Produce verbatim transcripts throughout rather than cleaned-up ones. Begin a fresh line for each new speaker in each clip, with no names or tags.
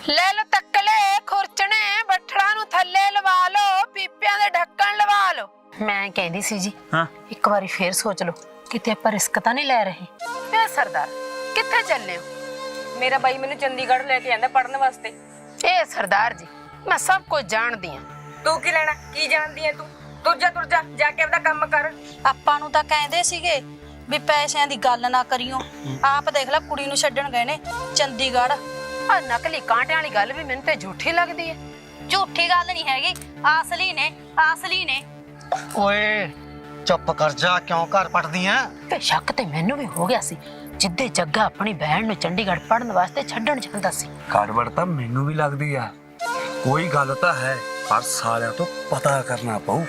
ਲੈ ਲੋ ਤੱਕਲੇ ਖੁਰਚਣੇ ਬੱਠਲਾਂ ਨੂੰ ਥੱਲੇ ਲਵਾ ਲੋ, ਪੀਪਿਆਂ ਦੇ ਢੱਕਣ ਲਵਾ ਲੋ। ਮੈਂ ਕਹਿੰਦੀ ਸੀ ਜੀ ਹਾਂ ਇੱਕ ਵਾਰੀ ਫੇਰ ਸੋਚ ਲਓ, ਕਿਤੇ ਆਪਾਂ ਰਿਸਕ ਤਾਂ ਨਹੀਂ ਲੈ ਰਹੇ। ਇਹ ਸਰਦਾਰ ਕਿੱਥੇ ਚੱਲੇ ਹੋ?
मेरा भाई मैंने चंडीगढ़ लेके आंदा पढ़ने वास्ते।
ए सरदार जी मैं सब कुछ जानदी हां।
तू की लेना की जानदी है तू? तुर जा तुर जा जाके अपना काम कर।
ਆਪਾਂ ਨੂੰ ਤਾਂ ਕਹਿੰਦੇ ਸੀਗੇ ਵੀ ਪੈਸਿਆਂ ਦੀ ਗੱਲ ਨਾ ਕਰਿਓ। ਆਪ ਦੇਖ ਲੈ ਕੁੜੀ ਨੂੰ ਛੱਡਣ ਗਏ ਨੇ ਚੰਡੀਗੜ੍ਹ।
ਆ ਨਕਲੀ ਕਾਂਟਿਆਂ ਵਾਲੀ ਗੱਲ ਵੀ ਮੈਨੂੰ ਤੇ ਝੂਠੀ ਲੱਗਦੀ ਹੈ।
ਝੂਠੀ ਗੱਲ ਨਹੀਂ ਹੈਗੀ, ਅਸਲੀ ਨੇ ਅਸਲੀ ਨੇ।
ਓਏ ਚੁੱਪ ਕਰ ਜਾ, ਕਿਉਂ ਘਰ ਪਟਦੀ ਐ?
ਤੇ ਸ਼ੱਕ ਤੇ ਮੈਨੂੰ ਵੀ ਹੋ ਗਿਆ ਸੀ ਜਿੱਦੇ ਜੱਗਾ ਆਪਣੀ ਭੈਣ ਨੂੰ ਚੰਡੀਗੜ੍ਹ ਪੜਨ ਵਾਸਤੇ ਛੱਡਣ ਜਾਂਦਾ ਸੀ।
ਕਾਰਵੜ ਤਾਂ ਮੈਨੂੰ ਵੀ ਲੱਗਦੀ ਆ, ਕੋਈ ਗੱਲ ਤਾਂ ਹੈ ਪਰ ਸਾਲਿਆਂ ਤੋਂ ਪਤਾ ਕਰਨਾ ਪਊ।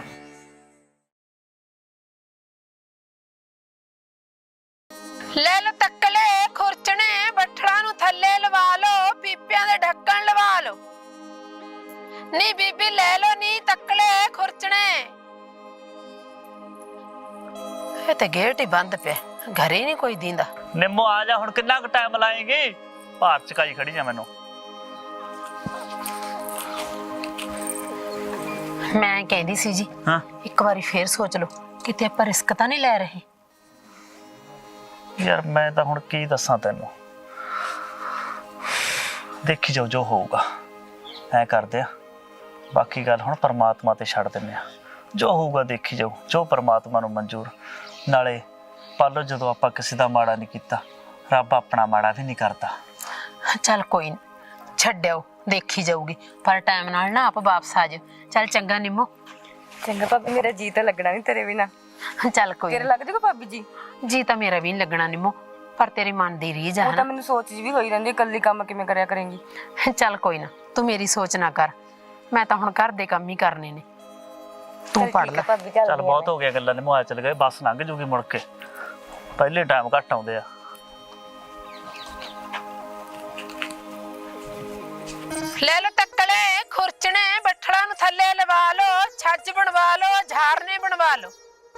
ਲੈ ਲੋ ਤੱਕਲੇ ਖੁਰਚਣੇ ਬੱਠਲਾਂ ਨੂੰ ਥੱਲੇ ਲਵਾ ਲੋ, ਪੀਪਿਆਂ ਦੇ ਢੱਕਣ ਲਵਾ ਲੋ। ਨੀ ਬੀਬੀ ਲੈ ਲੋ ਨੀ ਤੱਕਲੇ ਖੁਰਚਣੇ। ਇਹ ਤੇ ਗੇਟ ਹੀ ਬੰਦ ਪਿਆ, ਘਰੇ ਨਹੀਂ ਕੋਈ ਦੀਂਦਾ।
ਨਿੰਮੋ ਆ ਜਾ, ਹੁਣ ਕਿੰਨਾ ਕੁ ਟਾਈਮ ਲਾਏਂਗੀ? ਭਾਰ ਚਕਾਈ ਖੜੀ ਜਾ ਮੈਨੂੰ।
ਮੈਂ ਕਹਿੰਦੀ ਸੀ ਜੀ
ਹਾਂ
ਇੱਕ ਵਾਰੀ ਫੇਰ ਸੋਚ ਲਓ, ਕਿਤੇ ਆਪਾਂ ਰਿਸਕ ਤਾਂ ਨਹੀਂ ਲੈ ਰਹੇ।
ਯਾਰ ਮੈਂ ਤਾਂ ਹੁਣ ਕੀ ਦੱਸਾਂ ਤੈਨੂੰ, ਦੇਖੀ ਜਾਓ ਜੋ ਹੋਊਗਾ। ਐ ਕਰਦੇ ਆ, ਬਾਕੀ ਗੱਲ ਹੁਣ ਪਰਮਾਤਮਾ ਤੇ ਛੱਡ ਦਿੰਦੇ ਆ। ਜੋ ਹੋਊਗਾ ਦੇਖੀ ਜਾਓ, ਜੋ ਪਰਮਾਤਮਾ ਨੂੰ ਮਨਜ਼ੂਰ। ਨਾਲੇ ਪਾਲੋ ਜਦੋਂ ਆਪਾਂ ਕਿਸੇ ਦਾ ਮਾੜਾ ਨਹੀਂ ਕੀਤਾ, ਰੱਬ ਆਪਣਾ ਮਾੜਾ ਵੀ ਨਹੀਂ ਕਰਦਾ।
ਚੱਲ ਕੋਈ ਨਹੀਂ ਛੱਡਿਓ, ਦੇਖੀ ਜਾਊਗੀ, ਪਰ ਟਾਈਮ ਨਾਲ ਨਾ ਆਪ ਵਾਪਸ ਆ ਜਾਓ। ਚੱਲ ਚੰਗਾ ਨਿੰਮੋ।
चंगा भाभी मेरा जी तो लगना नहीं तेरे बिना।
ਚੱਲ ਕੋਈ
तेरे लग जाएगा भाभी जी?
ਜੀ ਤਾਂ ਮੇਰਾ ਵੀ ਨਹੀਂ ਲੱਗਣਾ ਨਿੰਮੋ, ਪਰ ਤੇਰੇ ਮਨ ਦੀ ਰੀਝ ਆ
वो तो मैंने सोच जी भी होई रहंदी कल्ली काम किवें करया करेंगी।
ਚੱਲ ਕੋਈ ਨਾ, ਤੂੰ ਮੇਰੀ ਸੋਚ ਨਾ ਕਰ, ਮੈਂ ਤਾਂ ਹੁਣ ਘਰ ਦੇ ਕੰਮ ਹੀ ਕਰਨੇ ਨੇ। ਤੂੰ ਪੜ ਲੈ।
भाभी
ਚੱਲ ਬਹੁਤ ਹੋ ਗਿਆ ਗੱਲਾਂ, ਨਿੰਮੋ ਆ ਚੱਲ ਗਏ, ਬੱਸ ਲੰਘ ਜੂਗੀ ਮੁੜ ਕੇ, ਪਹਿਲੇ ਟਾਈਮ ਘੱਟ ਆਉਂਦੇ ਆ।
ਲੈ ਲੋ ਤੱਕਲੇ ਖੁਰਚਣੇ ਬੱਠਲਾਂ ਨੂੰ ਥੱਲੇ ਲਵਾ ਲੋ, ਛੱਜ ਬਣਵਾ ਲੋ, ਝਾਰਨੇ ਬਣਵਾ ਲੋ।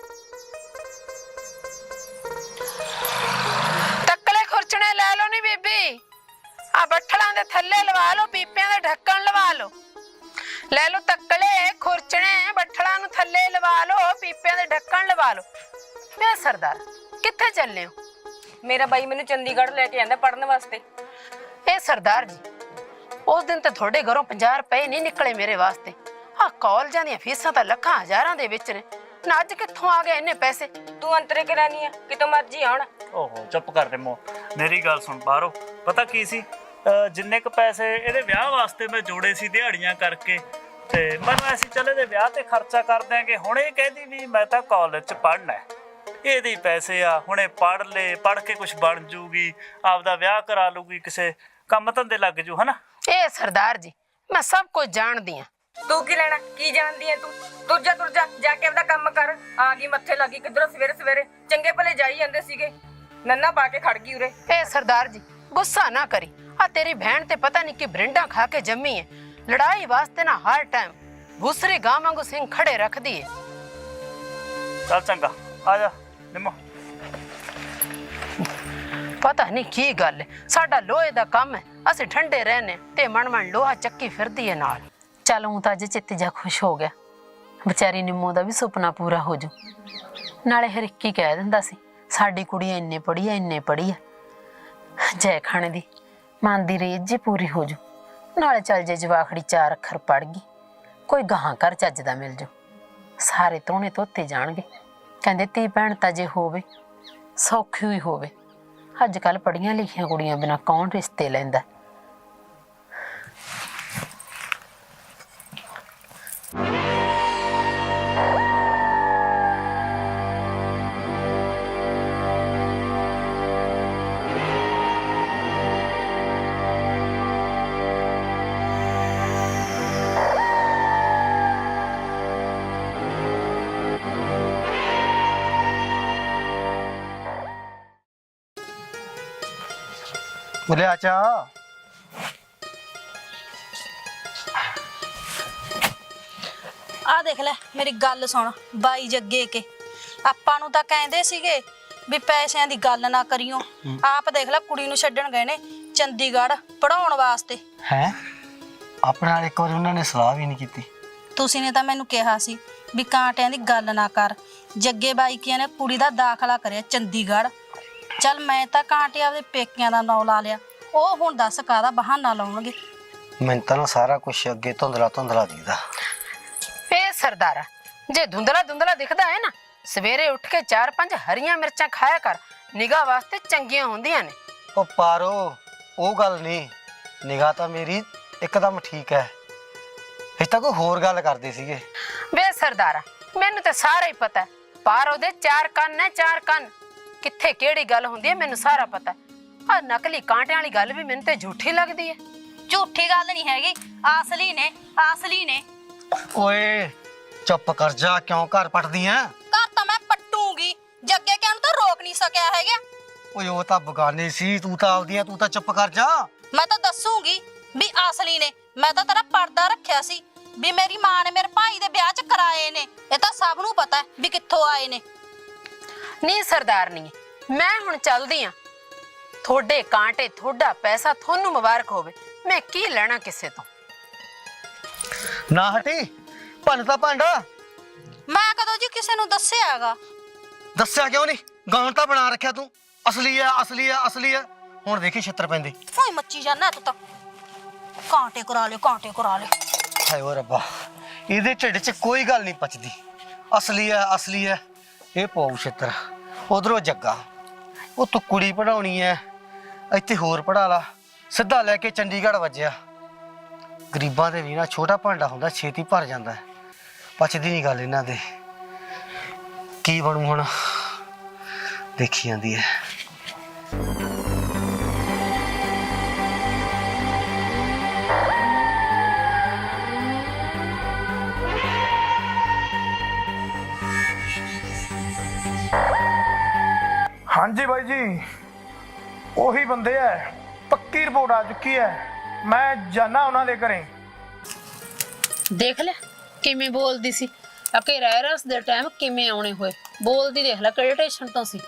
ਤੱਕਲੇ ਖੁਰਚਣੇ ਲੈ ਲੋ ਨੀ ਬੀਬੀ, ਆ ਬੱਠਲਾਂ ਦੇ ਥੱਲੇ ਲਵਾ ਲੋ, ਪੀਪਿਆਂ ਦੇ ਢੱਕਣ ਲਵਾ ਲੋ। ਲੈ ਲੋ ਤੱਕਲੇ ਖੁਰਚਣੇ ਬੱਠਲਾਂ ਨੂੰ ਥੱਲੇ ਲਵਾ ਲੋ, ਪੀਪਿਆਂ ਦੇ ਢੱਕਣ ਲਵਾ ਲੋ। ਮੈਂ ਸਰਦਾਰ ਕਿੱਥੇ ਚੱਲੇ ਹੋ?
मेरा भाई मैंने चंडीगढ़ लेके आंदा पढ़ने वास्ते।
ਇਹ ਸਰਦਾਰ ਜੀ ਉਸ ਦਿਨ ਤੇ ਤੁਹਾਡੇ ਘਰੋਂ ਪੰਜਾਹ ਰੁਪਏ ਨਹੀਂ ਨਿਕਲੇ ਮੇਰੇ ਵਾਸਤੇ। ਆ ਕਾਲਜਾਂ ਦੀਆਂ ਫੀਸਾਂ ਤਾਂ ਲੱਖਾਂ ਹਜ਼ਾਰਾਂ ਦੇ ਵਿੱਚ ਨੇ, ਨਾ ਅੱਜ ਕਿੱਥੋਂ ਆ ਗਏ ਇੰਨੇ ਪੈਸੇ?
तू अंतरे करानी है कितों मर्जी आउण।
ਓਹੋ ਚੁੱਪ ਕਰ ਨਿੰਮੋ, ਮੇਰੀ ਗੱਲ ਸੁਣ। ਬਾਹਰੋਂ ਪਤਾ ਕੀ ਸੀ, ਜਿੰਨੇ ਕ ਪੈਸੇ ਇਹਦੇ ਵਿਆਹ ਵਾਸਤੇ ਮੈਂ ਜੋੜੇ ਸੀ ਦਿਹਾੜੀਆਂ ਕਰਕੇ, ਤੇ ਮੈਨੂੰ ਐਸੀ ਚੱਲ ਇਹਦੇ ਵਿਆਹ ਤੇ ਖਰਚਾ ਕਰ ਦਿਆਂਗੇ। ਹੁਣ ਇਹ ਕਹਿੰਦੀ ਵੀ ਮੈਂ ਤਾਂ ਕਾਲਜ 'ਚ ਪੜ੍ਹਨਾ, ਇਹਦੇ ਪੈਸੇ ਆ, ਹੁਣੇ ਪੜ੍ਹ ਲੈ, ਪੜ੍ਹ ਕੇ ਕੁਛ ਬਣ ਜੂਗੀ, ਆਪਦਾ ਵਿਆਹ ਕਰਾ ਲੂਗੀ, ਕਿਸੇ ਕੰਮ ਧੰਦੇ ਲੱਗ ਜੂ, ਹਨਾ।
ਇਹ ਸਰਦਾਰ ਜੀ ਮੈਂ ਸਭ ਕੁਝ ਜਾਣਦੀ ਆ।
तू की लेना की जानदी है तू? तुर जा तुर जा जाके अपना काम कर। आ गई मत्थे लगी किधरों सवेरे सवेरे, चंगे भले जाई जांदे सीगे, नन्ना पा के खड़ गई उरे।
ਇਹ ਸਰਦਾਰ ਜੀ ਗੁੱਸਾ ਨਾ ਕਰੀ, ਆ ਤੇਰੀ ਭੈਣ ਤੇ ਪਤਾ ਨਹੀਂ ਕਿ ਬਰਿੰਡਾ ਖਾ ਕੇ ਜੰਮੀ ਹੈ, ਲੜਾਈ ਵਾਸਤੇ ਨਾ ਹਰ ਟਾਈਮ ਭੂਸਰੇ ਗਾਂ ਵਾਂਗੂ ਸਿੰਘ ਖੜੇ ਰੱਖਦੀ ਹੈ।
ਚੱਲ ਚੰਗਾ ਆ ਜਾ ਨਿੰਮੋ।
ਪਤਾ ਨਹੀਂ ਕੀ ਗੱਲ ਹੈ, ਸਾਡਾ ਲੋਹੇ ਦਾ ਕੰਮ ਹੈ, ਅਸੀਂ ਠੰਡੇ ਰਹਿਨੇ ਤੇ ਮਨ ਮਨ ਲੋਹਾ ਚੱਕੀ ਫਿਰਦੀ ਹੈ ਨਾਲ। ਚੱਲ ਹੂੰ ਤਾਂ ਅੱਜ ਚਿੱਤ ਜਾ ਖੁਸ਼ ਹੋ ਗਿਆ, ਵਿਚਾਰੀ ਨਿੰਮੋ ਦਾ ਵੀ ਸੁਪਨਾ ਪੂਰਾ ਹੋ ਜੂ। ਨਾਲੇ ਹਰ ਇੱਕ ਹੀ ਕਹਿ ਦਿੰਦਾ ਸੀ ਸਾਡੀ ਕੁੜੀ ਇੰਨੇ ਪੜ੍ਹੀ ਆ ਇੰਨੇ ਪੜ੍ਹੀ ਆ, ਜੈ ਖਾਣੇ ਦੀ ਮਨ ਦੀ ਰੀਝ ਜੀ ਪੂਰੀ ਹੋ ਜੂ। ਨਾਲੇ ਚੱਲ ਜੇ ਜਵਾਖੜੀ ਚਾਰ ਅੱਖਰ ਪੜ੍ਹ ਗਈ, ਕੋਈ ਗਾਹਾਂ ਘਰ ਚੱਜ ਦਾ ਮਿਲ ਜੂ, ਸਾਰੇ ਤੋਣੇ ਧੋਤੇ ਜਾਣਗੇ। ਕਹਿੰਦੇ ਧੀ ਭੈਣ ਤਾਂ ਜੇ ਹੋਵੇ ਸੌਖੀ ਹੀ ਹੋਵੇ, ਅੱਜ ਕੱਲ ਪੜ੍ਹੀਆਂ ਲਿਖੀਆਂ ਕੁੜੀਆਂ ਬਿਨਾਂ ਕੌਣ ਰਿਸ਼ਤੇ ਲੈਂਦਾ।
बोले आचा
ਆ ਦੇਖ ਲੈ ਮੇਰੀ ਗੱਲ ਸੁਣ ਬਾਈ ਜੱਗੇ ਕੇ, ਆਪਾਂ ਨੂੰ ਤਾਂ ਕਹਿੰਦੇ ਸੀਗੇ ਵੀ ਪੈਸਿਆਂ ਦੀ ਗੱਲ ਨਾ ਕਰਿਓ। ਆਪ ਦੇਖ ਲੈ ਕੁੜੀ ਨੂੰ ਛੱਡਣ ਗਏ ਨੇ ਚੰਡੀਗੜ੍ਹ ਪੜਾਉਣ ਵਾਸਤੇ।
ਹੈ ਆਪਣੇ ਨਾਲ ਇੱਕ ਵਾਰੀ ਉਹਨਾਂ ਨੇ ਸਲਾਹ ਵੀ ਨਹੀਂ ਕੀਤੀ।
ਤੁਸੀਂ ਨੇ ਤਾਂ ਮੈਨੂੰ ਕਿਹਾ ਸੀ ਵੀ ਕਾਂਟਿਆਂ ਦੀ ਗੱਲ ਨਾ ਕਰ। ਜੱਗੇ ਬਾਈਕੀਆਂ ਨੇ ਕੁੜੀ ਦਾ ਦਾਖਲਾ ਕਰਿਆ ਚੰਡੀਗੜ੍ਹ। ਚੱਲ ਮੈਂ ਤਾਂ ਕਾਂਟੇ ਆਪਦੇ ਪੇਕਿਆਂ ਦਾ ਨਾਂ ਲਾ ਲਿਆ, ਉਹ ਹੁਣ ਦੱਸ ਕਾਹਦਾ ਬਹਾਨਾ ਲਾਉਣਗੇ।
ਮੈਨੂੰ ਤਾਂ ਨਾ ਸਾਰਾ ਕੁਝ ਅੱਗੇ ਧੁੰਦਲਾ ਧੁੰਦਲਾ ਦਿਖਦਾ।
ਏ ਸਰਦਾਰਾ, ਜੇ ਧੁੰਦਲਾ ਧੁੰਦਲਾ ਦਿਖਦਾ ਹੈ ਨਾ, ਸਵੇਰੇ ਉੱਠ ਕੇ ਚਾਰ ਪੰਜ ਹਰੀਆਂ ਮਿਰਚਾਂ ਖਾਇਆ ਕਰ, ਨਿਗਾਹ ਵਾਸਤੇ ਚੰਗੀਆਂ ਹੁੰਦੀਆਂ ਨੇ।
ਉਹ ਪਾਰੋ, ਉਹ ਗੱਲ ਨਹੀਂ, ਨਿਗਾਹ ਤਾਂ ਮੇਰੀ ਇੱਕਦਮ ਠੀਕ ਹੈ। ਇਹ ਤਾਂ ਕੋਈ ਹੋਰ ਗੱਲ ਕਰਦੇ ਸੀਗੇ।
ਵੇ ਸਰਦਾਰਾ, ਮੈਨੂੰ ਤਾਂ ਸਾਰਾ ਹੀ ਪਤਾ, ਪਰ ਉਹਦੇ ਚਾਰ ਕੰਨ ਨੇ, ਚਾਰ ਕੰਨ। ਕਿੱਥੇ ਕਿਹੜੀ ਗੱਲ ਹੁੰਦੀ ਹੈ ਮੈਨੂੰ ਸਾਰਾ ਪਤਾ। ਆ ਨਕਲੀ ਕਾਂਟਿਆਂ ਵਾਲੀ ਗੱਲ ਵੀ ਮੈਨੂੰ ਤੇ ਝੂਠੀ ਲੱਗਦੀ ਹੈ।
ਝੂਠੀ ਗੱਲ ਨਹੀਂ ਹੈਗੀ, ਅਸਲੀ ਨੇ, ਅਸਲੀ ਨੇ।
ਓਏ ਚੁੱਪ ਕਰ ਜਾ, ਕਿਉਂ ਘਰ ਪਟਦੀ ਆ?
ਘਰ ਤਾਂ ਮੈਂ ਪੱਟੂਗੀ, ਜੱਗੇ ਕਿਆਂ ਨੂੰ ਤਾਂ ਰੋਕ ਨਹੀਂ ਸਕਿਆ ਹੈਗਾ।
ਓਏ ਉਹ ਤਾਂ ਬਗਾਨੇ ਸੀ, ਤੂੰ ਤਾਂ ਆਪਦੀਆਂ, ਤੂੰ ਤਾਂ ਚੁੱਪ ਕਰ ਜਾ।
ਮੈਂ ਤਾਂ ਦੱਸੂਗੀ ਵੀ ਅਸਲੀ ਨੇ। ਮੈਂ ਤਾਂ ਤੇਰਾ ਪਰਦਾ ਰੱਖਿਆ ਸੀ ਵੀ ਮੇਰੀ ਮਾਂ ਨੇ ਮੇਰੇ ਭਾਈ ਦੇ ਵਿਆਹ 'ਚ ਕਰਾਏ ਨੇ। ਇਹ ਤਾਂ ਸਭ ਨੂੰ ਪਤਾ ਹੈ ਵੀ ਕਿੱਥੋਂ ਆਏ ਨੇ।
ਨਹੀਂ ਸਰਦਾਰਨੀ, ਮੈਂ ਹੁਣ ਚੱਲਦੀ ਆ। ਤੁਹਾਡੇ ਕਾਂਟੇ, ਤੁਹਾਡਾ ਪੈਸਾ, ਤੁਹਾਨੂੰ ਮੁਬਾਰਕ ਹੋਵੇ। ਮੈਂ ਕੀ ਲੈਣਾ ਕਿਸੇ ਤੋਂ।
ਨਾ ਹਟੀ, ਭੰਨ ਤਾਂ ਭਾਂਡਾ।
ਮੈਂ ਕਦੋਂ ਜੀ ਕਿਸੇ ਨੂੰ ਦੱਸਿਆ ਹੈਗਾ?
ਦੱਸਿਆ ਕਿਉਂ ਨਹੀਂ? ਗਾਉਣ ਤਾਂ ਬਣਾ ਰੱਖਿਆ ਤੂੰ, ਅਸਲੀ ਆ, ਅਸਲੀ ਆ, ਅਸਲੀ ਆ। ਹੁਣ ਦੇਖੀ ਛਿੱਤਰ ਪੈਂਦੀ।
ਓਏ ਮੱਚੀ ਜਾਨਾ ਤੂੰ ਤਾਂ। ਕਾਂਟੇ ਕਰਾ ਲੈ, ਕਾਂਟੇ ਕਰਾ ਲੈ।
ਹਾਏ ਓ ਰੱਬਾ, ਇਹਦੇ ਢਿੱਡ 'ਚ ਕੋਈ ਗੱਲ ਨਹੀਂ ਪਚਦੀ। ਅਸਲੀ ਆ, ਅਸਲੀ ਆ, ਇਹ ਪਾਉ ਛਿੱਤਰ। ਉਧਰੋਂ ਜੱਗਾ, ਉਹ ਤੂੰ ਕੁੜੀ ਪੜਾਉਣੀ ਐ, ਇੱਥੇ ਹੋਰ ਪੜਾ ਲਾ। ਸਿੱਧਾ ਲੈ ਕੇ ਚੰਡੀਗੜ੍ਹ ਵੱਜਿਆ। ਗਰੀਬਾਂ ਦੇ ਵੀ ਨਾ ਛੋਟਾ ਭਾਂਡਾ ਹੁੰਦਾ, ਛੇਤੀ ਭਰ ਜਾਂਦਾ। ਪਚਦੀ ਨਹੀਂ ਗੱਲ ਇਹਨਾਂ ਦੇ। ਕੀ ਬਣੂ ਹੁਣ, ਦੇਖੀ ਜਾਂਦੀ ਹੈ।
ਹਾਂਜੀ ਬਾਈ ਜੀ, ਉਹੀ ਬੰਦੇ ਐ। ਪੱਕੀ ਰਿਪੋਰਟ ਆ ਚੁੱਕੀ ਐ। ਮੈਂ ਜਾਣਾ ਉਹਨਾਂ ਦੇ ਘਰੇ।
ਦੇਖ ਲੈ ਕਿਵੇਂ ਬੋਲਦੀ ਸੀ। ਅਕੇ ਰੈਰਸ ਦੇ ਟਾਈਮ ਕਿਵੇਂ ਆਉਣੇ ਹੋਏ। ਬੋਲਦੀ ਦੇਖ ਲੈ ਕਿਹੜੇ ਟੈਸ਼ਨ ਤੋਂ ਸੀ।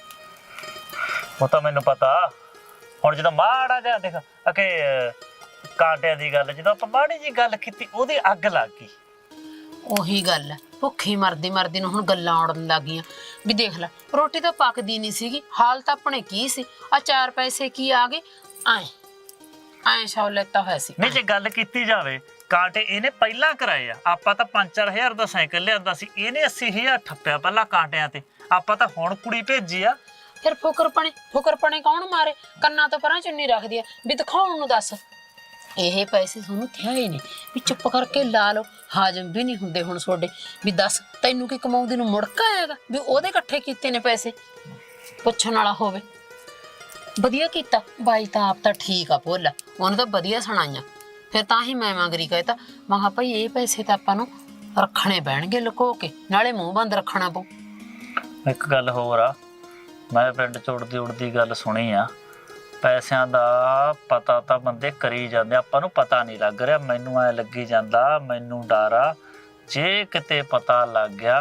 ਉਹ ਤਾਂ ਮੈਨੂੰ ਪਤਾ। ਹੁਣ ਜਦੋਂ ਮਾੜਾ ਜਿਹਾ ਦੇਖ ਅਕੇ ਕਾਂਟਿਆਂ ਦੀ ਗੱਲ, ਜਦੋਂ ਆਪਾਂ ਮਾੜੀ ਜੀ ਗੱਲ ਕੀਤੀ ਉਹਦੀ ਅੱਗ ਲੱਗ ਗਈ।
ਉਹੀ ਗੱਲ ਹੈ, ਭੁੱਖੀ ਮਰਦੀ ਮਰਦੀ ਨੂੰ ਹੁਣ ਗੱਲਾਂ ਉੜਨ ਲੱਗ ਗਈਆਂ ਵੀ ਦੇਖ ਲੈ ਰੋਟੀ ਤਾਂ ਪੱਕਦੀ ਨਹੀਂ ਸੀਗੀ। ਹਾਲ ਤਾਂ ਆਪਣੇ ਕੀ ਸੀ, ਆ ਚਾਰ ਪੈਸੇ ਕੀ ਆ ਗਏ। ਐ ਐ ਸ਼ੌ ਲੈਤਾ ਹੋਇਆ ਸੀ।
ਨਹੀਂ ਜੇ ਗੱਲ ਕੀਤੀ ਜਾਵੇ, ਕਾਂਟੇ ਇਹਨੇ ਪਹਿਲਾਂ ਕਰਾਏ ਆ। ਆਪਾਂ ਤਾਂ ਪੰਜ ਚਾਰ ਹਜ਼ਾਰ ਦਾ ਸਾਈਕਲ ਲਿਆਂਦਾ ਸੀ, ਇਹਨੇ ਅੱਸੀ ਹਜ਼ਾਰ ਠੱਪਿਆ ਪਹਿਲਾਂ ਕਾਂਟਿਆਂ ਤੇ। ਆਪਾਂ ਤਾਂ ਹੁਣ ਕੁੜੀ ਭੇਜੀ ਆ।
ਫਿਰ ਫੁਕਰਪਣੇ ਫੁਕਰਪਣੇ ਕੌਣ ਮਾਰੇ? ਕੰਨਾਂ ਤੋਂ ਪਰਾਂ ਚੁੰਨੀ ਰੱਖਦੀ ਆ ਵੀ ਦਿਖਾਉਣ ਨੂੰ। ਦੱਸ ਇਹ ਪੈਸੇ ਤੁਹਾਨੂੰ ਥਿਆਏ ਨੇ ਵੀ ਚੁੱਪ ਕਰਕੇ ਲਾ ਲਓ। ਹਾਜ਼ਮ ਵੀ ਨਹੀਂ ਹੁੰਦੇ ਹੁਣ ਤੁਹਾਡੇ। ਵੀ ਦੱਸ ਤੈਨੂੰ ਕੀ ਕਮਾਉਂਦੀ ਨੂੰ ਮੁੜਕਾ ਆਏਗਾ ਵੀ ਉਹਦੇ ਇਕੱਠੇ ਕੀਤੇ ਨੇ ਪੈਸੇ? ਪੁੱਛਣ ਵਾਲਾ ਹੋਵੇ। ਵਧੀਆ ਕੀਤਾ ਬਾਈ ਤਾਂ, ਆਪ ਤਾਂ ਠੀਕ ਆ ਭੋਲਾ, ਉਹਨੇ ਤਾਂ ਵਧੀਆ ਸੁਣਾਈਆਂ। ਫਿਰ ਤਾਂ ਹੀ ਮੈਂ ਮੰਗਰੀ ਕਹਿਤਾ, ਮੈਂ ਕਿਹਾ ਭਾਈ ਇਹ ਪੈਸੇ ਤਾਂ ਆਪਾਂ ਨੂੰ ਰੱਖਣੇ ਪੈਣਗੇ ਲੁਕੋ ਕੇ, ਨਾਲੇ ਮੂੰਹ ਬੰਦ ਰੱਖਣਾ ਪਊ।
ਇੱਕ ਗੱਲ ਹੋਰ ਆ, ਮੈਂ ਪਿੰਡ ਚ ਉੜਦੀ ਉੜਦੀ ਗੱਲ ਸੁਣੀ ਆ। ਪੈਸਿਆਂ ਦਾ ਪਤਾ ਤਾਂ ਬੰਦੇ ਕਰੀ ਜਾਂਦੇ, ਆਪਾਂ ਨੂੰ ਪਤਾ ਨਹੀਂ ਲੱਗ ਰਿਹਾ। ਮੈਨੂੰ ਐ ਲੱਗੀ ਜਾਂਦਾ, ਮੈਨੂੰ ਡਰ ਆ ਜੇ ਕਿਤੇ ਪਤਾ ਲੱਗ ਗਿਆ,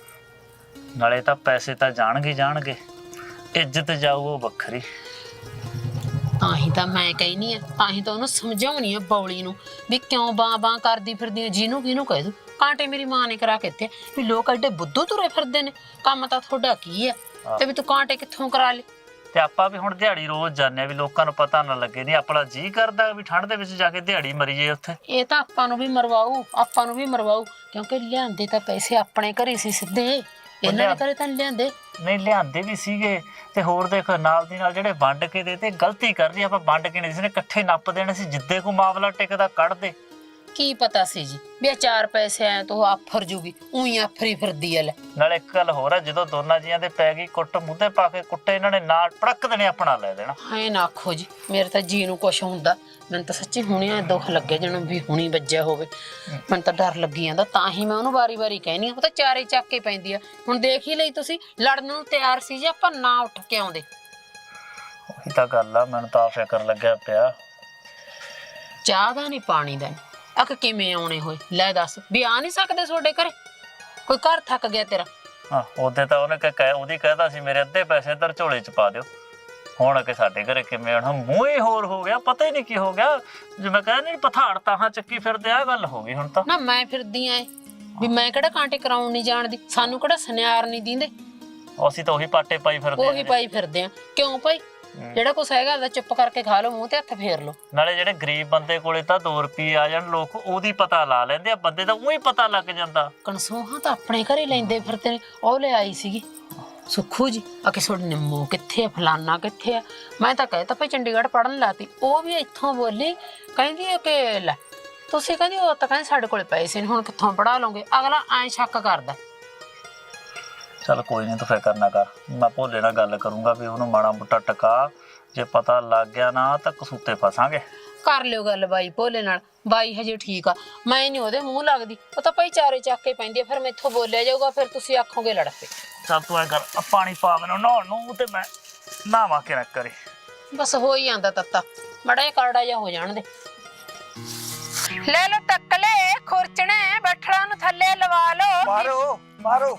ਨਾਲੇ ਤਾਂ ਪੈਸੇ ਤਾਂ ਜਾਣਗੇ ਜਾਣਗੇ, ਇੱਜ਼ਤ ਜਾਊ ਉਹ ਵੱਖਰੀ।
ਤਾਂ ਹੀ ਤਾਂ ਮੈਂ ਕਹਿਨੀ ਆ, ਤਾਂ ਹੀ ਤਾਂ ਉਹਨੂੰ ਸਮਝਾਉਣੀ ਆ ਬੌਲੀ ਨੂੰ ਵੀ ਕਿਉਂ ਬਾਂ ਬਾਂ ਕਰਦੀ ਫਿਰਦੀ ਆ। ਜਿਹਨੂੰ ਕਿਹਨੂੰ ਕਹਿ ਦੂ ਕਾਂਟੇ ਮੇਰੀ ਮਾਂ ਨੇ ਕਰਾ ਕੇ ਦਿੱਤੇ ਵੀ ਲੋਕ ਐਡੇ ਬੁੱਧੂ ਤੁਰੇ ਫਿਰਦੇ ਨੇ। ਕੰਮ ਤਾਂ ਤੁਹਾਡਾ ਕੀ ਆ ਤੇ ਵੀ ਤੂੰ ਕਾਂਟੇ ਕਿੱਥੋਂ ਕਰਾ ਲਏ?
ਤੇ ਆਪਾਂ ਵੀ ਹੁਣ ਦਿਹਾੜੀ ਰੋਜ਼ ਜਾਂਦੇ ਆ ਵੀ ਲੋਕਾਂ ਨੂੰ ਪਤਾ ਨਾ ਲੱਗੇ। ਨਹੀਂ ਆਪਣਾ ਜੀ ਕਰਦਾ ਵੀ ਠੰਡ ਦੇ ਵਿੱਚ ਜਾ ਕੇ ਦਿਹਾੜੀ ਮਰੀਏ ਉੱਥੇ।
ਇਹ ਤਾਂ ਆਪਾਂ ਨੂੰ ਵੀ ਮਰਵਾਊ, ਆਪਾਂ ਨੂੰ ਵੀ ਮਰਵਾਊ, ਕਿਉਂਕਿ ਲਿਆਂਦੇ ਤਾਂ ਪੈਸੇ ਆਪਣੇ ਘਰੇ ਸੀ ਸਿੱਧੇ। ਇਹਨਾਂ ਦੇ ਘਰੇ ਤਾਂ ਨੀ ਲਿਆਂਦੇ।
ਨਹੀਂ ਲਿਆਂਦੇ ਵੀ ਸੀਗੇ। ਤੇ ਹੋਰ ਦੇਖ ਨਾਲ ਦੀ ਨਾਲ ਜਿਹੜੇ ਵੰਡ ਕੇ ਦੇ ਤੇ ਗਲਤੀ ਕਰ ਰਹੀ। ਆਪਾਂ ਵੰਡ ਕੇ ਨਹੀਂ ਸੀ ਨੇ ਇਕੱਠੇ ਨੱਪ ਦੇਣੇ ਸੀ। ਜਿੱਦੇ ਕੋ ਮਾਮਲਾ ਟਿਕਦਾ ਕੱਢ ਦੇ।
ਕੀ ਪਤਾ ਸੀ ਜੀ ਵੀ ਇਹ ਚਾਰ ਪੈਸੇ ਆਏ ਤਾਂ ਉਹ ਆਫਰ ਜੂਗੀ। ਉਹੀ ਆਫਰੀ ਫਿਰਦੀ ਐ। ਲੈ
ਨਾਲ ਇੱਕ ਗੱਲ ਹੋਰ ਆ, ਜਦੋਂ ਦੋਨਾਂ ਜੀਆਂ ਦੇ ਪੈ ਗਈ ਕੁੱਟ, ਮੂੰਹੇ ਪਾ ਕੇ ਕੁੱਟੇ ਇਹਨਾਂ ਨੇ ਨਾਲ ਪੜਕ ਦੇਣੇ, ਆਪਣਾ ਲੈ ਦੇਣਾ।
ਐ ਨਾ ਆਖੋ ਜੀ, ਮੇਰੇ ਤਾਂ ਜੀ ਨੂੰ ਕੁਛ ਹੁੰਦਾ। ਮੈਨੂੰ ਤਾਂ ਸੱਚੀ ਹੁਣੇ ਦੁੱਖ ਲੱਗੇ ਜਿਹਨੂੰ ਵੀ ਹੁਣੀ ਵੱਜਿਆ ਹੋਵੇ। ਮੈਨੂੰ ਤਾਂ ਡਰ ਲੱਗੀ ਜਾਂਦਾ, ਤਾਂ ਹੀ ਮੈਂ ਉਹਨੂੰ ਵਾਰੀ ਵਾਰੀ ਕਹਿਨੀ ਆ। ਉਹ ਤਾਂ ਚਾਰੇ ਚੱਕ ਕੇ ਪੈਂਦੀ ਆ। ਹੁਣ ਦੇਖ ਹੀ ਲਈ ਤੁਸੀਂ, ਲੜਨ ਨੂੰ ਤਿਆਰ ਸੀ ਜੇ ਆਪਾਂ ਨਾ ਉੱਠ ਕੇ ਆਉਂਦੇ।
ਉਹੀ ਤਾਂ ਗੱਲ ਆ, ਮੈਨੂੰ ਤਾਂ ਫਿਕਰ ਲੱਗਿਆ ਪਿਆ।
ਚਾਹ ਦਾ ਨਹੀਂ, ਪਾਣੀ ਦਾ ਨਹੀਂ। ਅਕ ਕਿਵੇਂ ਆਉਣੇ ਹੋਏ? ਲੈ ਦੱਸ ਵੀ ਆ ਨਹੀਂ ਸਕਦੇ ਤੁਹਾਡੇ ਘਰੇ? ਕੋਈ ਘਰ ਥੱਕ ਗਿਆ ਤੇਰਾ?
ਹਾਂ ਉਹਦੇ ਤਾਂ ਉਹਨੇ ਕਹਿ ਉਹਦੀ ਕਹਿਦਾ ਸੀ ਮੇਰੇ ਅੱਧੇ ਪੈਸੇ ਇੱਧਰ ਝੋਲੇ ਚ ਪਾ ਦਿਓ। ਹੁਣ ਕਿ ਸਾਡੇ ਘਰੇ ਕਿਵੇਂ ਆਉਣਾ, ਮੂੰਹ ਹੀ ਹੋਰ ਹੋ ਗਿਆ, ਪਤਾ ਹੀ ਨਹੀਂ ਕੀ ਹੋ ਗਿਆ। ਜਿਵੇਂ ਕਹਿੰਦੇ ਨੀ ਪਥਾੜ ਤਾਹਾਂ ਚੱਕੀ ਫਿਰਦੇ, ਆ ਗੱਲ ਹੋ ਗਈ ਹੁਣ ਤਾਂ।
ਨਾ ਮੈਂ ਫਿਰਦੀ ਐ ਵੀ ਮੈਂ ਕਿਹੜਾ ਕਾਂਟੇ ਕਰਾਉਣ ਨਹੀਂ ਜਾਣਦੀ, ਸਾਨੂੰ ਕਿਹੜਾ ਸੁਨਿਆਰ ਨਹੀਂ ਦਿੰਦੇ,
ਅਸੀਂ ਤਾਂ ਉਹੀ ਪਾਟੇ ਪਾਈ ਫਿਰਦੇ
ਉਹੀ ਪਾਈ ਫਿਰਦੇ ਆ। ਕਿਉਂ ਭਾਈ, ਜਿਹੜਾ ਕੁਛ ਹੈਗਾ ਉਹਦਾ ਚੁੱਪ ਕਰਕੇ ਖਾ ਲਓ, ਮੂੰਹ ਤੇ ਹੱਥ ਫੇਰ ਲਓ।
ਨਾਲੇ ਜਿਹੜੇ ਗਰੀਬ ਬੰਦੇ ਕੋਲੇ ਤਾਂ ਦੋ ਰੁਪਏ ਆ ਜਾਣ, ਲੋਕ ਉਹਦੀ ਪਤਾ ਲਾ ਲੈਂਦੇ ਆ, ਬੰਦੇ ਦਾ ਉਹੀ ਪਤਾ ਲੱਗ ਜਾਂਦਾ।
ਕਨਸੂਹਾਂ ਤਾਂ ਆਪਣੇ ਘਰੇ ਲੈਂਦੇ ਫਿਰਦੇ ਨੇ। ਉਹ ਲੈ ਆਈ ਸੀਗੀ ਸੁੱਖੂ ਜੀ, ਆ ਕਿ ਤੁਹਾਡੇ ਨਿੰਮੋ ਕਿੱਥੇ ਆ, ਫਲਾਨਾ ਕਿੱਥੇ ਆ। ਮੈਂ ਤਾਂ ਕਹਿ ਤਾ ਭਾਈ ਚੰਡੀਗੜ੍ਹ ਪੜਨ ਲਾਤੀ। ਉਹ ਵੀ ਇੱਥੋਂ ਬੋਲੀ, ਕਹਿੰਦੀ ਹੈ ਕਿ ਲੈ ਤੁਸੀਂ ਕਹਿੰਦੀ ਉਹ ਤਾਂ ਕਹਿੰਦੇ ਸਾਡੇ ਕੋਲੇ ਪੈਸੇ ਨਹੀਂ, ਹੁਣ ਕਿੱਥੋਂ ਪੜਾ ਲਓਗੇ। ਅਗਲਾ ਐਂ ਸ਼ੱਕ ਕਰਦਾ।
ਚੱਲ ਕੋਈ ਨਹੀਂ, ਤੂੰ ਫਿਕਰ ਨਾ ਕਰ, ਮੈਂ ਭੋਲੇ ਨਾਲ ਗੱਲ ਕਰੂੰਗਾ ਵੀ ਉਹਨੂੰ ਮਾੜਾ ਮੋਟਾ ਟਕਾ। ਜੇ ਪਤਾ ਲੱਗ ਗਿਆ ਨਾ ਤਾਂ ਕਸੂਤੇ ਫਸਾਂਗੇ।
ਕਰ ਲਿਓ ਗੱਲ ਬਾਈ ਭੋਲੇ ਨਾਲ, ਬਾਈ ਹਜੇ ਠੀਕ ਆ, ਮੈਂ ਨਹੀਂ ਉਹਦੇ ਮੂੰਹ ਲੱਗਦੀ। ਉਹ ਤਾਂ ਭਾਈ ਚਾਰੇ ਚੱਕ ਕੇ ਪੈਂਦੀ ਆ, ਫਿਰ ਮੈਥੋਂ ਬੋਲਿਆ ਜਾਊਗਾ, ਫਿਰ ਤੁਸੀਂ ਆਖੋਗੇ ਲੜ ਪਏ।
ਚੱਲ ਤੂੰ ਐ ਕਰ, ਆ ਪਾਣੀ ਪਾ ਮੈਨੂੰ ਨਹਾਉਣ ਨੂੰ, ਤੇ ਮੈਂ ਨਹਾਵਾਂ ਕਿ ਨਾ ਕਰੇ।
ਬਸ ਹੋ ਹੀ ਆਂਦਾ ਤੱਤਾ, ਮੜਾ ਜਿਹਾ ਕਰੜਾ ਜਿਹਾ ਹੋ ਜਾਣ ਦੇ। ਲੈ ਲੋ ਟੱਕਲੇ ਖੁਰਚਣੇ, ਬੱਠਲਾਂ ਨੂੰ ਥੱਲੇ ਲਵਾ ਲੋ।
ਮਾਰੋ ਮਾਰੋ।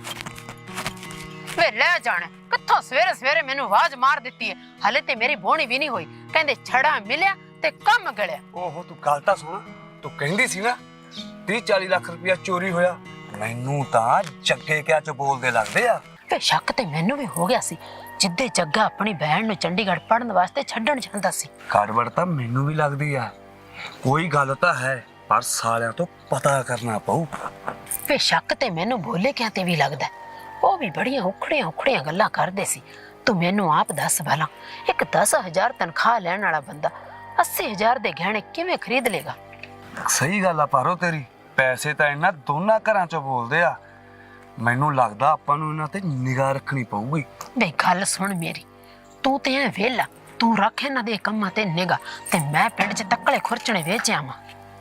ਵੇ ਲੈ ਜਾਣ, ਕਿੱਥੋਂ ਸਵੇਰੇ ਸਵੇਰੇ ਮੈਨੂੰ ਆਵਾਜ਼ ਮਾਰ ਦਿੱਤੀ ਹੈ। ਹਲੇ ਤੇ ਮੇਰੀ ਬੋਣੀ ਵੀ ਨਹੀਂ ਹੋਈ, ਕਹਿੰਦੇ ਛੜਾ ਮਿਲਿਆ ਤੇ ਕੰਮ ਗਲਿਆ।
ਓਹੋ ਤੂੰ ਗੱਲ ਤਾਂ ਸੁਣ, ਤੂੰ ਕਹਿੰਦੀ ਸੀ ਨਾ ਤੀਹ ਚਾਲੀ ਲੱਖ ਰੁਪਇਆ ਚੋਰੀ ਹੋਇਆ। ਮੈਨੂੰ ਤਾਂ ਜੱਗੇ ਕਿਆ ਚ ਬੋਲਦੇ ਲੱਗਦੇ ਆ।
ਵੇ ਸ਼ੱਕ ਤੇ ਮੈਨੂੰ ਵੀ ਹੋ ਗਿਆ ਸੀ, ਜਿੱਦੇ ਜੱਗਾ ਆਪਣੀ ਭੈਣ ਨੂੰ ਚੰਡੀਗੜ੍ਹ ਪੜਨ ਵਾਸਤੇ ਛੱਡਣ ਜਾਂਦਾ ਸੀ।
ਗੜਬੜ ਤਾਂ ਮੈਨੂੰ ਵੀ ਲੱਗਦੀ ਆ, ਕੋਈ ਗੱਲ ਤਾਂ ਹੈ, ਪਰ ਸਾਲਿਆਂ ਤੋਂ ਪਤਾ ਕਰਨਾ ਪਊ।
ਵੇ ਸ਼ੱਕ ਤੇ ਮੈਨੂੰ ਬੋਲੇ ਕਿਆ ਤੇ ਵੀ ਲੱਗਦਾ। ਉਹ ਵੀ ਬੜੀਆਂ ਉਖੜੀਆਂ ਉਖੜੀਆਂ ਗੱਲਾਂ ਕਰਦੇ ਸੀ। ਤੂੰ ਮੈਨੂੰ ਆਪ ਦੱਸ ਭਲਾ, ਇੱਕ ਦਸ ਹਜ਼ਾਰ ਤਨਖਾਹ ਲੈਣ ਵਾਲਾ ਬੰਦਾ ਅੱਸੀ ਹਜ਼ਾਰ ਦੇ ਗਹਿਣੇ ਕਿਵੇਂ ਖਰੀਦ ਲੇਗਾ?
ਸਹੀ ਗੱਲ ਆ ਪਾਰੋ ਤੇਰੀ, ਪੈਸੇ ਤਾਂ ਇਹਨਾਂ ਦੋਨਾਂ ਘਰਾਂ ਚੋਂ ਬੋਲਦੇ ਆ। ਮੈਨੂੰ ਲੱਗਦਾ ਆਪਾਂ ਨੂੰ ਇਹਨਾਂ ਤੇ ਨਿਗਾਹ ਰੱਖਣੀ ਪਊਗੀ।
ਵੇ ਗੱਲ ਸੁਣ ਮੇਰੀ, ਤੂੰ ਤੇ ਐ ਵੇਲਾ, ਤੂੰ ਰੱਖ ਇਹਨਾਂ ਦੇ ਕੰਮਾਂ ਤੇ ਨਿਗਾਹ, ਤੇ ਮੈਂ ਪਿੰਡ 'ਚ ਤੱਕਲੇ ਖੁਰਚਣੇ ਵੇਚ ਆਵਾਂ।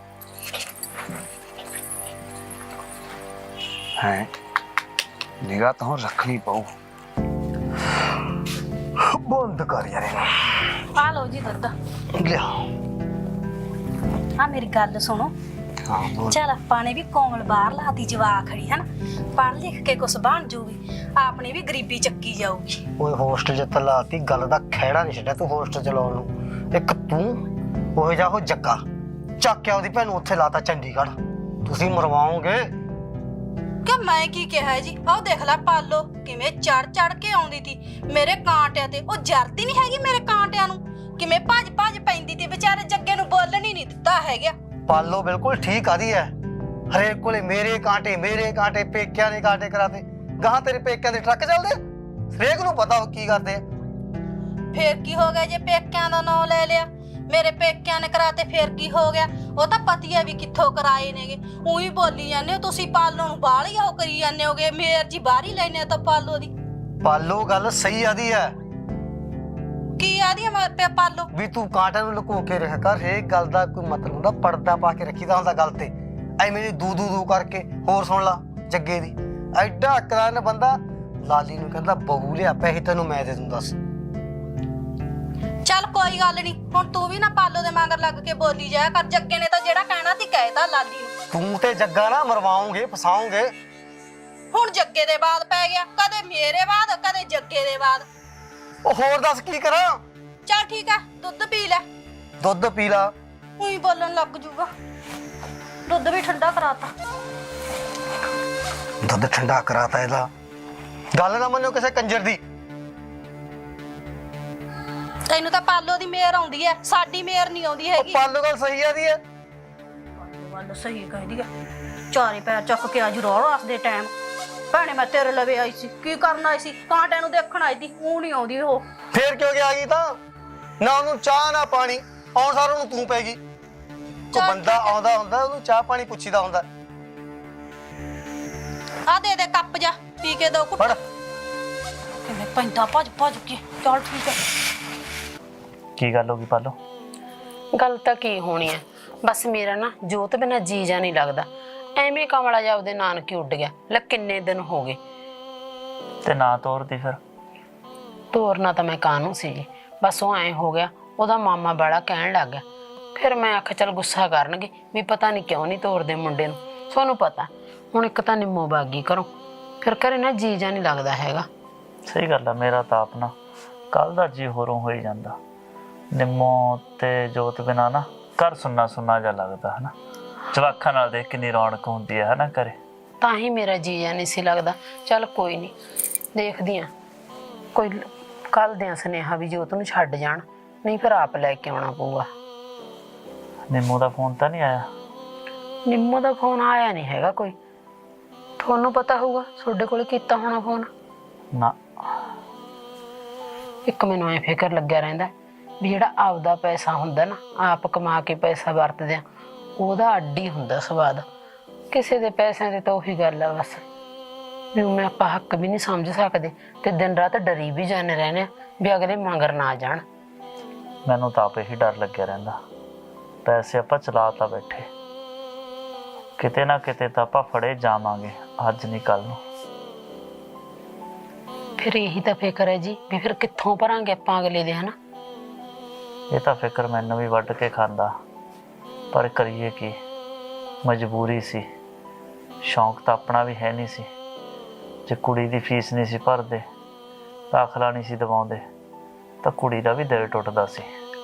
ਹੈ ਨਿਗਾਹ ਤਾਂ ਰੱਖਣੀ ਪਊ। ਬੰਦ ਕਰ ਯਾਰ ਇਹਨੂੰ।
ਆ ਲਓ ਜੀ ਦੁੱਧ।
ਲਿਆ।
ਆ ਮੇਰੀ ਗੱਲ ਸੁਣੋ,
ਹਾਂ ਬੋਲ।
ਚੱਲ ਆਪਾਂ ਨੇ ਵੀ ਕੋਮਲ ਬਾਹਰ ਲਾਤੀ ਜਵਾ ਖੜੀ ਹਨ, ਪੜ੍ਹ ਲਿਖ ਕੇ ਕੁਛ ਬਣ ਜੂਗੀ, ਆਪਣੀ ਵੀ ਗਰੀਬੀ ਚੱਕੀ ਜਾਊਗੀ।
ਓਏ ਹੋਸਟਲ ਚ ਤਲਾਤੀ, ਗੱਲ ਦਾ ਖਹਿੜਾ ਨਹੀਂ ਛੱਡਿਆ ਤੂੰ ਹੋਸਟਲ ਚ ਲਾਉਣ ਨੂੰ। ਇੱਕ ਤੂੰ ਉਹ ਜਾ ਉਹ ਜੱਗਾ ਚੱਕ ਕੇ ਉਹਦੀ ਭੈਣ ਨੂੰ ਉੱਥੇ ਲਾਤਾ ਚੰਡੀਗੜ੍ਹ। ਤੁਸੀਂ ਮਰਵਾਓਗੇ
ਕਿ ਮੈਂ ਕੀ ਕਿਹਾ ਜੀ? ਆਹ ਦੇਖ ਲੈ ਪਾਲੋ ਕਿਵੇਂ ਚੜ ਚੜ ਕੇ ਆਉਂਦੀ ਤੀ ਮੇਰੇ ਕਾਂਟਿਆਂ ਤੇ। ਉਹ ਜਰਦੀ ਨਹੀਂ ਹੈਗੀ ਮੇਰੇ ਕਾਂਟਿਆਂ ਨੂੰ, ਕਿਵੇਂ ਭੱਜ ਭੱਜ ਪੈਂਦੀ ਤੀ। ਵਿਚਾਰੇ ਜੱਗੇ ਨੂੰ ਬੋਲਣ ਹੀ ਨਹੀਂ ਦਿੱਤਾ ਹੈਗਾ।
ਪਾਲੋ ਬਿਲਕੁਲ ਠੀਕ ਆਦੀ ਹੈ, ਹਰੇਕ ਕੋਲੇ ਮੇਰੇ ਕਾਂਟੇ ਮੇਰੇ ਕਾਂਟੇ, ਪੇਕਿਆਂ ਨੇ ਕਾਂਟੇ ਕਰਾਤੇ। ਗਾਹਾਂ ਤੇਰੇ ਪੇਕਿਆਂ ਦੇ ਟਰੱਕ ਚੱਲਦੇ, ਹਰੇਕ ਨੂੰ ਪਤਾ ਉਹ ਕੀ ਕਰਦੇ ਆ।
ਫੇਰ ਕੀ ਹੋ ਗਿਆ ਜੇ ਪੇਕਿਆਂ ਦਾ ਨਾਂ ਲੈ ਲਿਆ? ਮੇਰੇ ਪੇਕਿਆਂ ਨੇ ਕਰਾਤੇ, ਫੇਰ ਕੀ ਹੋ ਗਿਆ? ਉਹ ਤਾਂ ਪਤੀਆ ਵੀ ਕਿੱਥੋਂ ਕਰਾਏ ਨੇਗੇ। ਉਹੀ ਬੋਲੀ ਜਾਂਦੇ ਹੋ ਤੁਸੀਂ, ਪਾਲੋ ਨੂੰ ਬਾਹਰ ਹੀ ਉਹ ਕਰੀ ਜਾਂਦੇ ਹੋਗੇ, ਮੇਰ ਜੀ ਬਾਹਰ ਹੀ ਲੈਨੇ ਤਾਂ ਪਾਲੋ ਦੀ।
ਪਾਲੋ ਗੱਲ ਸਹੀ ਆਦੀ ਹੈ
ਕੀ ਆਦੀ ਮੈਂ ਪਾਲੋ
ਵੀ ਤੂੰ ਕਾਂਟੇ ਨੂੰ ਲੁਕੋ ਕੇ ਰੱਖ ਕਰ। ਹਰੇਕ ਗੱਲ ਦਾ ਕੋਈ ਮਤਲਬ ਹੁੰਦਾ, ਪਰਦਾ ਪਾ ਕੇ ਰੱਖੀਦਾ ਹੁੰਦਾ ਗੱਲ ਤੇ। ਐਵੇਂ ਦੀ ਦੂ ਦੂ ਦੂ ਕਰਕੇ। ਹੋਰ ਸੁਣ ਲਾ ਜੱਗੇ ਦੀ, ਐਡਾ ਅਕਰਾਨ ਬੰਦਾ, ਲਾਲੀ ਨੂੰ ਕਹਿੰਦਾ ਬਹੂ ਲਿਆ, ਪੈਸੇ ਤੈਨੂੰ ਮੈਂ ਦੇ ਦੂੰ। ਦੱਸ
ਚੱਲ ਕੋਈ ਗੱਲ ਨਹੀਂ, ਹੁਣ ਤੂੰ ਵੀ ਨਾ ਪਾਲੋ ਦੇ ਮਗਰ ਲੱਗ ਕੇ ਬੋਲੀ ਜਾਇਆ ਕਰ। ਜੱਗੇ ਨੇ ਤਾਂ ਜਿਹੜਾ ਕਹਿਣਾ ਸੀ ਕਹਿਤਾ ਲਾਲੀ ਨੂੰ।
ਤੂੰ ਤੇ ਜੱਗਾ ਨਾ ਮਰਵਾਓਗੇ, ਫਸਾਓਗੇ।
ਹੁਣ ਜੱਗੇ ਦੇ ਬਾਅਦ ਪੈ ਗਿਆ, ਕਦੇ ਮੇਰੇ ਬਾਅਦ ਕਦੇ ਜੱਗੇ ਦੇ ਬਾਅਦ।
ਉਹ ਹੋਰ ਦੱਸ ਕੀ ਕਰਾਂ?
ਚੱਲ ਠੀਕ ਆ, ਦੁੱਧ ਪੀ ਲੈ।
ਦੁੱਧ ਪੀ ਲਾ।
ਉਹੀ ਬੋਲਣ ਲੱਗ ਜੂਗਾ। ਦੁੱਧ ਵੀ ਠੰਡਾ ਕਰਾਤਾ।
ਦੁੱਧ ਠੰਡਾ ਕਰਾਤਾ ਇਹਦਾ। ਗੱਲ ਨਾ ਮੰਨੋ ਕਿਸੇ ਕੰਜਰ ਦੀ।
ਤੈਨੂੰ ਤਾਂ ਪਾਲੋ ਦੀ ਮੇਰ ਆਉਂਦੀ ਐ, ਸਾਡੀ ਮੇਰ ਨਹੀਂ ਆਉਂਦੀ
ਉਹ
ਹੈਗੀ।
ਪਾਲੋ ਗੱਲ ਸਹੀ ਆਦੀ ਹੈ।
ਗੱਲ ਸਹੀ ਕਹਿੰਦੀ ਐ। ਚਾਰੇ ਪੈਰ ਚੱਕ ਕੇ ਅੱਜ ਰੋਹ ਰੱਖਦੇ ਟਾਈਮ ਭੈਣੇ ਮੈਂ ਤੇਰੇ ਲਵੇ ਆਈ ਸੀ। ਕੀ ਕਰਨ ਆਈ ਸੀ? ਕਾਂਟਿਆਂ ਨੂੰ ਦੇਖਣ ਆਈ ਸੀ। ਉਹ ਨਹੀਂ ਆਉਂਦੀ ਉਹ।
ਫੇਰ ਕਿਉਂ ਗਿਆ ਗਈ ਤਾਂ? ਨਾ ਉਹਨੂੰ ਚਾਹ ਨਾ ਪਾਣੀ, ਆਉਣ ਸਾਰ ਉਹਨੂੰ ਤੂੰ ਪੈਗੀ। ਕੋਈ ਬੰਦਾ ਆਉਂਦਾ ਹੁੰਦਾ ਉਹਨੂੰ ਚਾਹ ਪਾਣੀ ਪੁੱਛੀਦਾ ਹੁੰਦਾ।
ਆ ਦੇ ਦੇ ਕੱਪ ਜਾ, ਪੀ ਕੇ ਦੋ ਘੁੱਟ।
ਫੜ।
ਕਿਵੇਂ ਪੈਂਦਾ ਭੱਜ ਭੱਜ ਕੇ। ਚੱਲ ਠੀਕ ਐ।
ਕੀ ਗੱਲ ਹੋ ਗਈ ਪਾਲੋ?
ਗੱਲ ਤਾਂ ਕੀ ਹੋਣੀ ਹੈ, ਬਸ ਮੇਰਾ ਨਾ ਜੋਤ ਬਿਨਾਂ ਜੀ ਜਾ ਨਹੀਂ ਲੱਗਦਾ। ਐਵੇਂ ਕਮਲਾ ਜਾ ਉਹਦੇ ਨਾਨਕੇ ਉੱਡ ਗਿਆ। ਲੈ ਕਿੰਨੇ ਦਿਨ ਹੋ ਗਏ।
ਤੇ ਨਾ ਤੋਰਦੀ ਫਿਰ?
ਤੋਰਨਾ ਤਾਂ ਮੈਂ ਕਾਹਨੂੰ ਸੀ ਜੀ, ਬਸ ਉਹ ਐਂ ਹੋ ਗਿਆ, ਉਹਦਾ ਮਾਮਾ ਬਾਲਾ ਕਹਿਣ ਲੱਗ ਗਿਆ। ਫਿਰ ਮੈਂ ਆਖਿਆ ਚੱਲ ਗੁੱਸਾ ਕਰਨਗੇ ਵੀ ਪਤਾ ਨਹੀਂ ਕਿਉਂ ਨਹੀਂ ਤੋਰਦੇ ਮੁੰਡੇ ਨੂੰ। ਤੁਹਾਨੂੰ ਪਤਾ ਹੁਣ ਇੱਕ ਤਾਂ ਨਿੰਮੋ ਬਾਗੀ ਘਰੋਂ, ਫਿਰ ਘਰੇ ਨਾ ਜੀ ਜਾ ਨਹੀਂ ਲੱਗਦਾ ਹੈਗਾ।
ਸਹੀ ਗੱਲ ਆ, ਮੇਰਾ ਤਾਂ ਆਪਣਾ ਕੱਲ ਦਾ ਜੀ ਹੋਰੋਂ ਹੋਈ ਜਾਂਦਾ। ਨਿੰਮੋ ਤੇ ਜੋਤ ਬਿਨਾ ਨਾ ਘਰ ਸੁੰਨਾ ਸੁੰਨਾ ਜਿਹਾ ਲੱਗਦਾ ਹਨਾ। ਜਵਾਕਾਂ ਨਾਲ ਦੇਖ ਕਿੰਨੀ ਰੌਣਕ ਹੁੰਦੀ ਹੈ ਹਨਾ ਘਰੇ।
ਤਾਂ ਹੀ ਮੇਰਾ ਜੀ ਜਾ ਨਹੀਂ ਸੀ ਲੱਗਦਾ। ਚੱਲ ਕੋਈ ਨਹੀਂ, ਦੇਖਦੀ ਆ ਕੋਈ ਕੱਲ ਦਿਆਂ ਸੁਨੇਹਾ ਵੀ ਜੋਤ ਨੂੰ ਛੱਡ ਜਾਣ, ਨਹੀਂ ਫਿਰ ਆਪ ਲੈ ਕੇ ਆਉਣਾ ਪਊਗਾ।
ਨਿੰਮੋ ਦਾ ਫੋਨ ਤਾਂ ਨਹੀਂ ਆਇਆ?
ਨਿੰਮੋ ਦਾ ਫੋਨ ਆਇਆ ਨਹੀਂ ਹੈਗਾ ਕੋਈ। ਤੁਹਾਨੂੰ ਪਤਾ ਹੋਊਗਾ, ਤੁਹਾਡੇ ਕੋਲ ਕੀਤਾ ਹੋਣਾ ਫੋਨ।
ਨਾ।
ਇੱਕ ਮੈਨੂੰ ਐ ਫਿਕਰ ਲੱਗਿਆ ਰਹਿੰਦਾ ਵੀ ਜਿਹੜਾ ਆਪਦਾ ਪੈਸਾ ਹੁੰਦਾ ਨਾ, ਆਪ ਕਮਾ ਕੇ ਪੈਸਾ ਵਰਤਦੇ ਆ, ਉਹਦਾ ਅੱਡ ਹੀ ਹੁੰਦਾ ਸਵਾਦ। ਕਿਸੇ ਦੇ ਪੈਸਿਆਂ ਦੀ ਤਾਂ ਉਹੀ ਗੱਲ ਆ ਬਸ ਵੀ ਮੈਂ ਆਪਾਂ ਹੱਕ ਵੀ ਨਹੀਂ ਸਮਝ ਸਕਦੇ ਤੇ ਦਿਨ ਰਾਤ ਡਰੀ ਵੀ ਜਾਂਦੇ ਰਹਿੰਦੇ ਆ ਵੀ ਅਗਲੇ ਮਗਰ ਨਾ ਜਾਣ।
ਮੈਨੂੰ ਤਾਂ ਆਪੇ ਹੀ ਡਰ ਲੱਗਿਆ ਰਹਿੰਦਾ। ਪੈਸੇ ਆਪਾਂ ਚਲਾ ਤਾਂ ਬੈਠੇ, ਕਿਤੇ ਨਾ ਕਿਤੇ ਤਾਂ ਆਪਾਂ ਫੜੇ ਜਾਵਾਂਗੇ, ਅੱਜ ਨਹੀਂ ਕੱਲ ਨੂੰ।
ਫਿਰ ਇਹੀ ਤਾਂ ਫਿਕਰ ਹੈ ਜੀ ਵੀ ਫਿਰ ਕਿੱਥੋਂ ਭਰਾਂਗੇ ਆਪਾਂ ਅਗਲੇ ਦੇ, ਹਨਾ।
ਇਹ ਤਾਂ ਫਿਕਰ ਮੈਨੂੰ ਵੀ ਵੱਢ ਕੇ ਖਾਂਦਾ, ਪਰ ਕਰੀਏ ਕੀ, ਮਜਬੂਰੀ ਸੀ। ਸ਼ੌਂਕ ਤਾਂ ਆਪਣਾ ਵੀ ਹੈ ਨਹੀਂ ਸੀ। ਜੇ ਕੁੜੀ ਦੀ ਫੀਸ ਨਹੀਂ ਸੀ ਭਰਦੇ, ਦਾਖਲਾ ਨਹੀਂ ਸੀ ਦਿਵਾਉਂਦੇ, ਤਾਂ ਕੁੜੀ ਦਾ ਵੀ ਦਿਲ ਟੁੱਟਦਾ ਸੀ।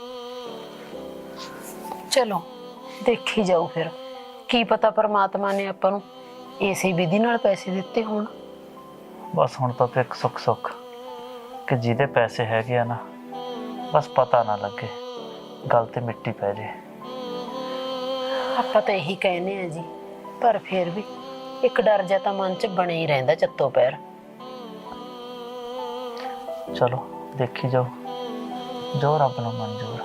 ਚਲੋ ਦੇਖੀ ਜਾਊ ਫਿਰ, ਕੀ ਪਤਾ ਪਰਮਾਤਮਾ ਨੇ ਆਪਾਂ ਨੂੰ ਇਸੇ ਵਿਧੀ ਨਾਲ ਪੈਸੇ ਦਿੱਤੇ ਹੋਣ।
ਬਸ ਹੁਣ ਤਾਂ ਇੱਕ ਸੁੱਖ ਸੁੱਖ ਕਿ ਜਿਹਦੇ ਪੈਸੇ ਹੈਗੇ ਆ ਨਾ, ਬਸ ਪਤਾ ਨਾ ਲੱਗੇ, ਗੱਲ ਤੇ ਮਿੱਟੀ ਪੈ ਜੇ।
ਆਪਾਂ ਤਾਂ ਇਹੀ ਕਹਿੰਦੇ ਆ ਜੀ, ਪਰ ਫਿਰ ਵੀ ਇੱਕ ਡਰ ਜਿਹਾ ਤਾਂ ਮਨ 'ਚ ਬਣਿਆ ਹੀ ਰਹਿੰਦਾ ਚੱਤੋ ਪੈਰ।
ਚਲੋ ਦੇਖੀ ਜਾਓ, ਜੋ ਰੱਬ ਨੂੰ ਮਨਜ਼ੂਰ।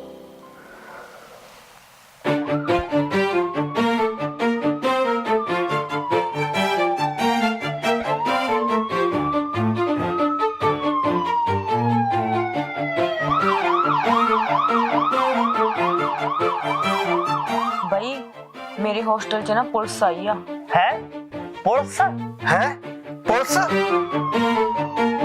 ਬਈ ਮੇਰੇ ਹੋਸਟਲ 'ਚ ਨਾ ਪੁਲਿਸ ਆਈ ਆ।
ਹੈ ਪੁਲਿਸ?
ਹੈ ਪੁਲਿਸ?